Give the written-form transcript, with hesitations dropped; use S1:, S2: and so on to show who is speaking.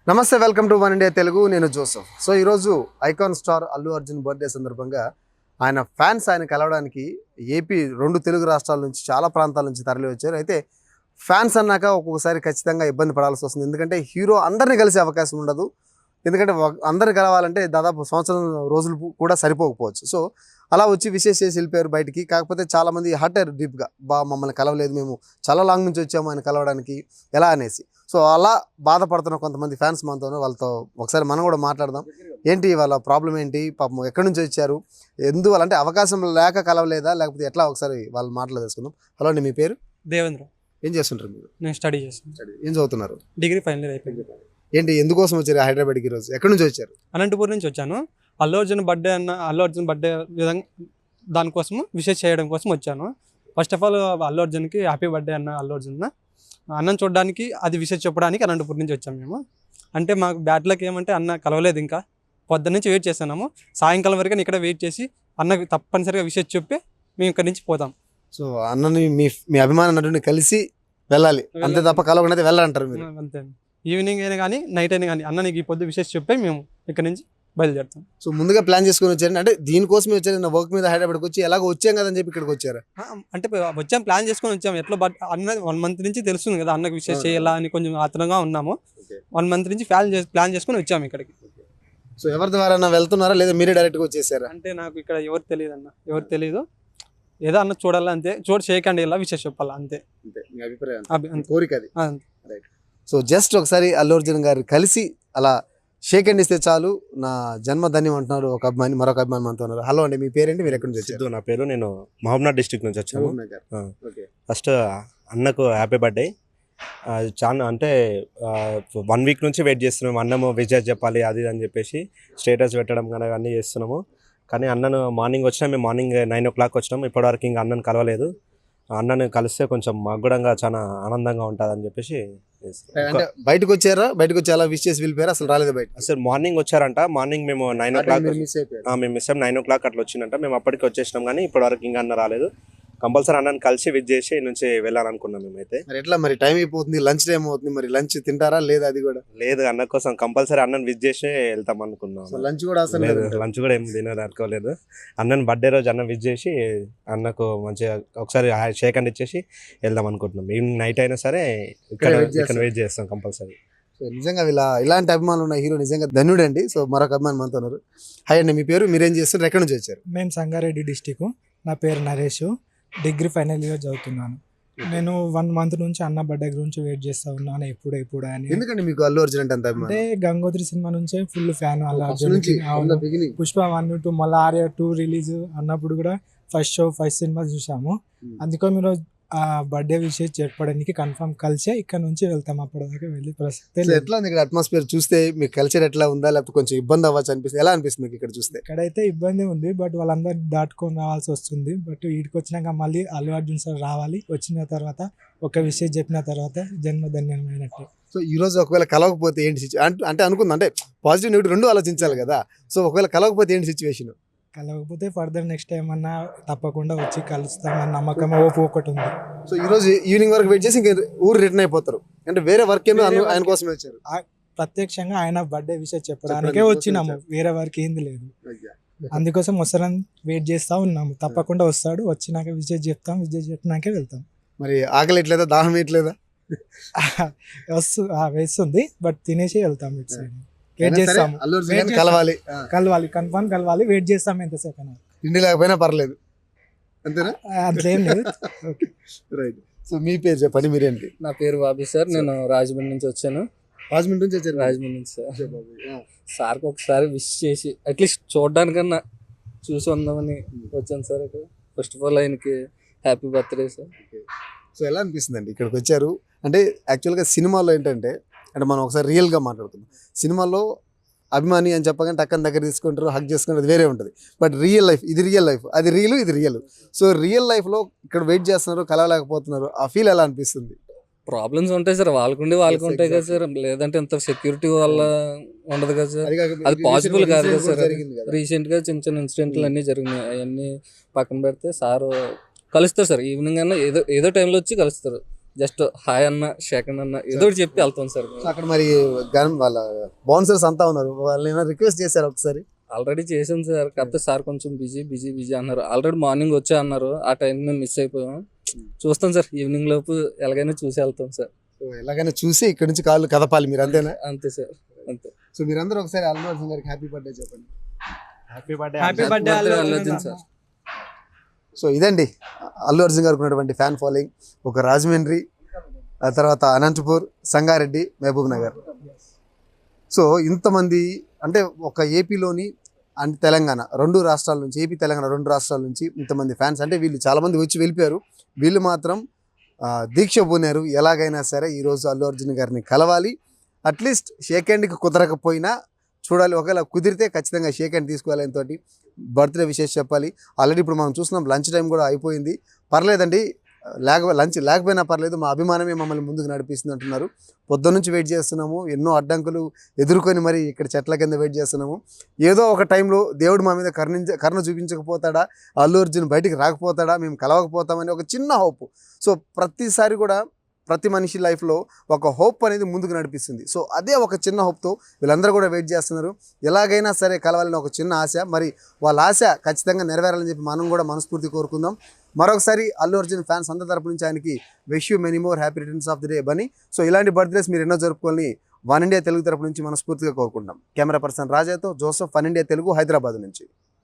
S1: నమస్తే, welcome to one India Telugu. నేను Joseph. So ఈరోజు icon star Allu Arjun birthday సందర్భంగా ఆయన ఫ్యాన్స్ ఆయన కలవడానికి ఏపీ 2 తెలుగు రాష్ట్రాల నుంచి చాలా ప్రాంతాల నుంచి తరలి వచ్చారు. అయితే ఫ్యాన్స్ అన్నాక ఒక్కొక్కసారి ఖచ్చితంగా ఇబ్బంది పడాల్సి వస్తుంది. ఎందుకంటే హీరో అందరినీ కలిసే అవకాశం ఉండదు. ఎందుకంటే అందరిని కలవాలంటే దాదాపు సంవత్సరం రోజులు కూడా సరిపోకపోవచ్చు. సో అలా వచ్చి విషెస్ చేసి వెళ్ళిపోయారు బయటికి. కాకపోతే చాలామంది హర్ట్ అయ్యారు డీప్గా. మమ్మల్ని కలవలేదు, మేము చాలా లాంగ్ నుంచి వచ్చాము ఆయన కలవడానికి ఎలా అనేసి. సో అలా బాధపడుతున్న కొంతమంది ఫ్యాన్స్ మనతో, వాళ్ళతో ఒకసారి మనం కూడా మాట్లాడదాం. ఏంటి వాళ్ళ ప్రాబ్లం ఏంటి, పాపం ఎక్కడి నుంచి వచ్చారు, ఎందువల్ల అంటే అవకాశం లేక కలవలేదా లేకపోతే ఎట్లా, ఒకసారి వాళ్ళ మాటలు తెలుసుకుందాం. హలో అండి, మీ పేరు?
S2: దేవేంద్ర.
S1: ఏం చేస్తుంటారు మీరు?
S2: నేను స్టడీ చేస్తాను.
S1: ఏం చదువుతున్నారు?
S2: డిగ్రీ ఫైనల్ ఇయర్ అయిపోయింది.
S1: ఏంటి, ఎందుకోసం వచ్చారు హైదరాబాద్కి ఈరోజు? ఎక్కడి నుంచి వచ్చారు?
S2: అనంతపూర్ నుంచి వచ్చాను. అల్లు అర్జున్ బర్త్డే విధంగా దానికోసము విషెస్ చేయడం కోసం వచ్చాను. ఫస్ట్ ఆఫ్ ఆల్ అల్లు అర్జున్కి హ్యాపీ బర్త్డే అల్లు అర్జున్ అన్నం చూడడానికి, అది విషెస్ చెప్పడానికి అనంతపూర్ నుంచి వచ్చాము మేము. అంటే మాకు బ్యాడ్ లక్ ఏమంటే అన్న కలవలేదు, ఇంకా పొద్దున్న నుంచి వెయిట్ చేస్తున్నాము. సాయంకాలం వరకు ఇక్కడ వెయిట్ చేసి అన్నకి తప్పనిసరిగా విషెస్ చెప్పి మేము ఇక్కడి నుంచి పోతాం.
S1: సో అన్నని మీ అభిమాన నటుని కలిసి వెళ్ళాలి, అంతే తప్ప కలవకుండా వెళ్ళాలంటారు మీరు?
S2: అంతే. ఈవినింగ్ అయినా కానీ నైట్ అయినా కానీ అన్న నీకు ఈ పొద్దు విషెస్ చెప్పి మేము ఇక్కడ నుంచి బయలుదేరుతాం.
S1: సో ముందుగా ప్లాన్ చేసుకుని వచ్చారు అంటే దీనికోసమే వచ్చారు? నా వర్క్ మీద హైదరాబాద్కి వచ్చి ఎలాగో వచ్చాం కదని చెప్పి ఇక్కడికి వచ్చారు?
S2: అంటే వచ్చాం, ప్లాన్ చేసుకొని వచ్చాం. ఎట్లా అన్న 1 month నుంచి తెలుస్తుంది కదా అన్నకు విషయం చేయాలా అని కొంచెం ఆత్రంగా ఉన్నాము. 1 month నుంచి ప్లాన్ చేసుకొని వచ్చాము ఇక్కడికి.
S1: సో ఎవరి ద్వారా వెళ్తున్నారా లేదా మీరే డైరెక్ట్గా వచ్చేసారా?
S2: అంటే నాకు ఇక్కడ ఎవరు తెలియదు ఏదో అన్న చూడాలా, అంతే. చేయకండి ఇలా విషయం చెప్పాలా, అంతే.
S1: మీ అభిప్రాయం, కోరిక అది.
S2: అంతే.
S1: సో జస్ట్ ఒకసారి అల్లు అర్జున్ గారు కలిసి అలా షేక్ హ్యాండ్ ఇస్తే చాలు, నా జన్మ ధన్యం అంటున్నారు ఒక అభిమాని, మరొక అభిమాని మనతో ఉన్నారు. హలో అండి, మీ పేరేంటి, మీరు ఎక్కడి నుంచి వచ్చారు?
S3: నా పేరు, నేను మహబూబ్నగర్ డిస్ట్రిక్ట్ నుంచి వచ్చాను. ఫస్ట్ అన్నకు హ్యాపీ బర్త్డే. చాలా అంటే 1 week నుంచి వెయిట్ చేస్తున్నాము. అన్నము విజయ్ చెప్పాలి అది అని చెప్పేసి స్టేటస్ పెట్టడం కానీ అన్నీ చేస్తున్నాము. కానీ అన్నను మార్నింగ్ వచ్చినా, మేము మార్నింగ్ 9 o'clock వచ్చినాము. ఇప్పటివరకు ఇంకా అన్నను కలవలేదు. అన్నను కలిస్తే కొంచెం మాకు కూడా చాలా ఆనందంగా ఉంటుంది అని చెప్పేసి.
S1: అంటే బయటకు వచ్చారా? బయటకు వచ్చి అలా విష్ చేసి వెళ్ళిపోయారా? అసలు రాలేదు బయట?
S3: అసలు మార్నింగ్ వచ్చారంట. మార్నింగ్ మేము 9 o'clock మేము మిస్ అయ్యాం. 9 o'clock అట్లా వచ్చిందంట. మేము అప్పటికి వచ్చేసినాం కానీ ఇప్పటివరకు ఇంకా అన్న రాలేదు. కంపల్సరీ అన్నను కలిసి విజ్ చేసి నుంచి వెళ్ళాలనుకున్నాం మేమైతే.
S1: మరి ఎట్లా, మరి టైం అయిపోతుంది, లంచ్ టైం అవుతుంది, మరి లంచ్ తింటారా లేదా? అది కూడా
S3: లేదు, అన్న కోసం కంపల్సరీ అన్నను విజ్ చేసి వెళ్తాం అనుకున్నాం.
S1: లంచ్ కూడా అసలు
S3: లేదు, లంచ్ కూడా ఏం తినదు అనుకోలేదు. అన్నను బర్త్డే రోజు అన్న విజ్ చేసి అన్నకు మంచిగా ఒకసారి షేక్ హ్యాండ్ ఇచ్చేసి వెళ్దాం అనుకుంటున్నాం. ఈవినింగ్ నైట్ అయినా సరే ఇక్కడ వెయిట్ చేస్తాం కంపల్సరీ.
S1: సో నిజంగా ఇలాంటి అభిమానులు ఉన్న హీరో నిజంగా ధన్యుడండి. సో మరొక అభిమాని మనతో ఉన్నారు. హాయ్ అండి, మీ పేరు, మీరేం చేస్తారు, ఎక్కడి నుంచి వచ్చారు?
S4: మేము సంగారెడ్డి డిస్టిక్. నా పేరు నరేష్. డిగ్రీ ఫైనల్ ఇయర్ చదువుతున్నాను. నేను 1 month నుంచి అన్న బర్త్డే గురించి వెయిట్ చేస్తా ఉన్నాను, ఎప్పుడు అని.
S1: ఎందుకంటే మీకు అల్లు అర్జున్ అంటే అంత అభిమానం?
S4: అంటే గంగోత్రి సినిమా నుంచే ఫుల్ ఫ్యాన్ అల్లు అర్జున్. పుష్ప 1, 2 మళ్ళీ ఆర్య 2 రిలీజ్ అన్నప్పుడు కూడా ఫస్ట్ సినిమా చూసాము. అందుకని మీరు ఆ బర్త్డే విషయం చెప్పడానికి కన్ఫర్మ్ కలిసే ఇక్కడ నుంచి వెళ్తాం. అప్పటిదాకా వెళ్ళి ప్రస్తుతం
S1: ఎట్లా ఉంది ఇక్కడ అట్మాస్ఫియర్ చూస్తే? మీ కల్చర్ ఎట్లా ఉందా, లేకపోతే కొంచెం ఇబ్బంది అవ్వచ్చు అనిపిస్తుంది? ఎలా అనిపిస్తుంది మీకు ఇక్కడ చూస్తే?
S4: ఇక్కడైతే ఇబ్బంది ఉంది, బట్ వాళ్ళందరూ దాటుకొని రావాల్సి వస్తుంది. బట్ వీడికి వచ్చినాక మళ్ళీ అల్లు అర్జున్ సార్ రావాలి. వచ్చిన తర్వాత ఒక విషయం చెప్పిన తర్వాత జన్మధన్యమైనట్టు.
S1: సో ఈ రోజు ఒకవేళ కలవకపోతే ఏంటి అంటే అనుకుందా, అంటే పాజిటివ్ నెగిటివ్ 2 ఆలోచించాలి కదా. సో ఒకవేళ కలవకపోతే ఏంటి సిచ్యువేషన్?
S4: కలవకపోతే ఫర్దర్ నెక్స్ట్ టైం అన్నా తప్పకుండా వచ్చి కలుస్తామని నమ్మకం ఒకటి ఉంది.
S1: సో ఈ రోజు ఈవినింగ్ వరకు వెయిట్ చేసి ఇంకా ఊరు రిటర్న్ అయిపోతారు అంటే వేరే వర్క్ ఏమో ఆయన కోసం వచ్చారు?
S4: ప్రత్యక్షంగా ఆయన బర్త్డే విషయం చెప్పడానికే వచ్చినాము, వేరే వర్క్ ఏంది లేదు. అందుకోసం వస్తారని వెయిట్ చేస్తా ఉన్నాము. తప్పకుండా వస్తాడు, వచ్చినాక విజయ్ చెప్పినాకే వెళ్తాం.
S1: మరి ఆకలి ఎట్లేదా, దాహం ఎట్లేదా?
S4: వేస్తుంది, బట్ తినేసి వెళ్తాం. ఇటు సైడ్ వెయిట్ చేస్తాము, కలవాలి కన్ఫర్మ్ కలవాలి. వెయిట్ చేస్తాం ఎంతసేపు అయినా.
S1: తిండి లేకపోయినా పర్లేదు అంతేనా?
S4: అంతేం లేదు.
S1: రైట్. సో మీ పేరు చెప్పండి, మీరేంటి?
S5: నా పేరు బాబీ సార్. నేను రాజమండ్రి నుంచి వచ్చాను.
S1: రాజమండ్రి నుంచి వచ్చారు?
S5: రాజమండ్రి నుంచి సార్. సార్కి ఒకసారి విష్ చేసి అట్లీస్ట్ చూడడానికన్నా చూసి ఉందామని వచ్చాను సార్. ఇక్కడ ఫస్ట్ ఆఫ్ ఆల్ ఆయనకి హ్యాపీ బర్త్డే సార్.
S1: సో ఎలా అనిపిస్తుంది అండి ఇక్కడికి వచ్చారు? అంటే యాక్చువల్గా సినిమాలో ఏంటంటే, అంటే మనం ఒకసారి రియల్గా మాట్లాడుతున్నాం. సినిమాలో అభిమాని అని చెప్పగానే టక్కన దగ్గర తీసుకుంటారు, హక్ చేసుకుంటారు, అది వేరే ఉంటుంది. బట్ రియల్ లైఫ్, ఇది రియల్ లైఫ్, అది రియల్, ఇది రియల్. సో రియల్ లైఫ్లో ఇక్కడ వెయిట్ చేస్తున్నారు, కలవలేకపోతున్నారు, ఆ ఫీల్ ఎలా అనిపిస్తుంది?
S5: ప్రాబ్లమ్స్ ఉంటాయి సార్, వాళ్ళకు ఉంటాయి కదా సార్. లేదంటే ఇంత సెక్యూరిటీ వల్ల ఉండదు కదా సార్. అది పాసిబుల్ కాదు కదా సార్. రీసెంట్గా చిన్న ఇన్సిడెంట్లు అన్నీ జరిగినాయి. అవన్నీ పక్కన పెడితే సార్ కలుస్తారు సార్. ఈవినింగ్ అన్నా ఏదో టైంలో వచ్చి కలుస్తారు. జస్ట్ హాయ్ అన్న సెకండ్ అన్న ఏదో ఒకటి చెప్పి వెళ్తాం సార్.
S1: సో అక్కడ మరి వాళ్ళ బౌన్సర్స్ అంతా ఉన్నారు, వాళ్ళు ఏమైనా రిక్వెస్ట్ చేశారు ఒకసారి?
S5: ఆల్రెడీ చేసాం సార్, కాకపోతే సార్ కొంచెం బిజీ అన్నారు. ఆల్రెడీ మార్నింగ్ వచ్చా అన్నారు, ఆ టైం మేము మిస్ అయిపోయాం. చూస్తాం సార్, ఈవినింగ్ లోపు ఎలాగైనా చూసి వెళ్తాం సార్.
S1: సో ఎలాగైనా చూసి ఇక్కడ నుంచి కాళ్ళు కదపాలి మీరు, అంతేనా?
S5: అంతే సార్, అంతే.
S1: సో మీరందరూ ఒకసారి అల్లు అర్జున్ గారికి హ్యాపీ బర్త్డే చెప్పండి.
S2: Happy birthday
S5: Allu Arjun sir.
S1: So ఇదండి అల్లు అర్జున్ గారికి ఉన్నటువంటి ఫ్యాన్ ఫాలోయింగ్. ఒక రాజమండ్రి, ఆ తర్వాత అనంతపూర్, సంగారెడ్డి, మహబూబ్ నగర్. సో ఇంతమంది అంటే ఒక ఏపీలోని అంటే తెలంగాణ రెండు రాష్ట్రాల నుంచి, ఏపీ తెలంగాణ రెండు రాష్ట్రాల నుంచి ఇంతమంది ఫ్యాన్స్. అంటే వీళ్ళు చాలామంది వచ్చి వెళ్ళిపోయారు, వీళ్ళు మాత్రం దీక్ష పూనారు. ఎలాగైనా సరే ఈరోజు అల్లు అర్జున్ గారిని కలవాలి, అట్లీస్ట్ షేక్ హ్యాండ్కి కుదరకపోయినా చూడాలి, ఒకవేళ కుదిరితే ఖచ్చితంగా షేక్ హ్యాండ్ తీసుకోవాలి, ఆయనతో బర్త్డే విషెస్ చెప్పాలి. ఆల్రెడీ ఇప్పుడు మనం చూస్తున్నాం లంచ్ టైం కూడా అయిపోయింది. పర్లేదండి, లంచ్ లేకపోయినా పర్లేదు, మా అభిమానమే మమ్మల్ని ముందుకు నడిపిస్తుంది అంటున్నారు. పొద్దున్న నుంచి వెయిట్ చేస్తున్నాము, ఎన్నో అడ్డంకులు ఎదుర్కొని మరి ఇక్కడ చెట్ల కింద వెయిట్ చేస్తున్నాము. ఏదో ఒక టైంలో దేవుడు మా మీద కరుణ చూపించకపోతాడా, అల్లు అర్జున్ బయటికి రాకపోతాడా, మేము కలవకపోతామని ఒక చిన్న హోప్. సో ప్రతిసారి కూడా ప్రతి మనిషి లైఫ్లో ఒక హోప్ అనేది ముందుకు నడిపిస్తుంది. సో అదే ఒక చిన్న హోప్తో వీళ్ళందరూ కూడా వెయిట్ చేస్తున్నారు. ఎలాగైనా సరే కలవాలని ఒక చిన్న ఆశ, మరి వాళ్ళ ఆశ ఖచ్చితంగా నెరవేరాలని చెప్పి మనం కూడా మనస్ఫూర్తి కోరుకుందాం. మరొకసారి అల్లు అర్జున్ ఫ్యాన్స్ అందరి తరపు నుంచి ఆయనకి wish you many more happy returns of the day Bunny. So ఇలాంటి బర్త్డేస్ మీరు ఎన్నో జరుపుకోవాలని వన్ ఇండియా తెలుగు తరపు నుంచి మనస్ఫూర్తిగా కోరుకుంటాం. కెమెరా పర్సన్ రాజాతో జోసఫ్, వన్ ఇండియా తెలుగు, హైదరాబాద్ నుంచి.